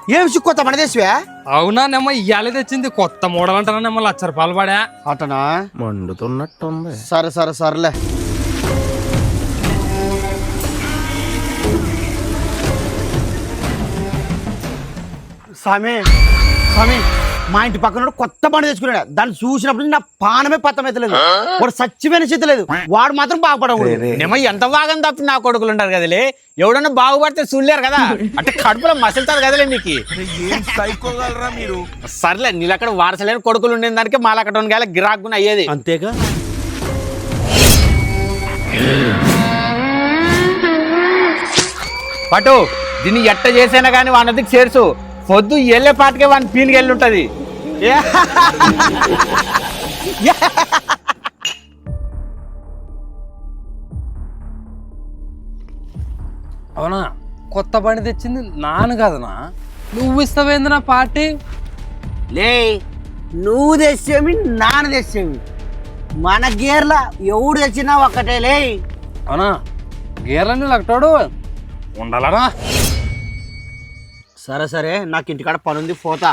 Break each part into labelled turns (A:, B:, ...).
A: ఏం సిక్కొత్త మన దేశవే?
B: అవునా నెమ్మ ఇయ్యాలే తెచ్చింది కొత్త మోడల్ అంటారా నెమ్మ 1,00,000 రూపాయలు పడా.
A: అటనా?
C: మండుతున్నట్టుంది.
A: సరేలే. స్వామి మా ఇంటి పక్కన కొత్త బండి తెచ్చుకున్నాడు. దాన్ని చూసినప్పుడు నా పానమే పత్తమైతలేదు. వాడు సచ్చిపోయిన స్థితి లేదు. వాడు మాత్రం బాగుపడకూడదు.
D: నిమ్మ ఎంత బాగా తప్పి నా కొడుకులు ఉంటారు కదలే. ఎవడన్నా బాగుపడితే చూడలేరు కదా, అంటే కడుపులో మసలుతారు కదలే మీకు.
C: సైకోగలరా మీరు?
D: సర్లే నీళ్ళు అక్కడ వారసలేని కొడుకులు ఉండే దానికి మాల అక్కడ గాలి గిరాకుని అయ్యేది
A: అంతేగా.
D: పటు దీన్ని ఎట్ట చేసైనా కానీ వానదికి చేర్చు. పొద్దు వెళ్ళే పాటికే వాని పీలికి వెళ్ళి ఉంటది.
B: అవునా కొత్త బండి తెచ్చింది నాను కదనా, నువ్వు ఇస్తావేంది నా పార్టీ?
A: లే నువ్వు తెచ్చేవి నాన్న తెచ్చేవి మన గేర్ల ఎవడు తెచ్చినా ఒక్కటే లే.
B: అవునా గేర్లని లక్కటాడు ఉండాలనా?
A: సరే నాకు ఇంటికాడ పనుంది పోతా.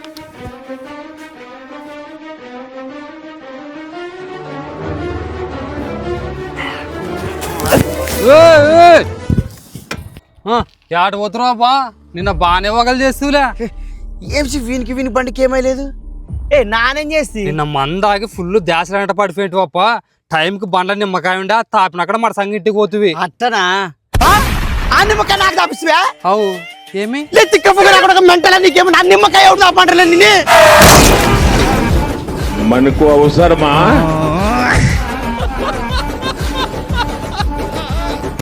B: యాట పోతున్నావా బా? నిన్న బాగానే వగలు చేస్తూలే.
A: ఏమిసి వీనికి బండికి ఏమైలేదు. నానేం చేస్తి?
B: నిన్న మందాగి ఫుల్ దాసరంట పడిపోయేటి పప్ప. టైంకి బండ్ల నిమ్మకాయ ఉండే తాపినక్కడ మన సంగటికి పోతువి.
A: అట్టనా? ఆ నిమ్మకాయ నాకు తాపిస్తువా?
B: అవు ఏమి
A: మెంటల్ నీకేమో నా నిమ్మకాయ ఎవరు తాపంటారు.
C: మనకు అవసరమా?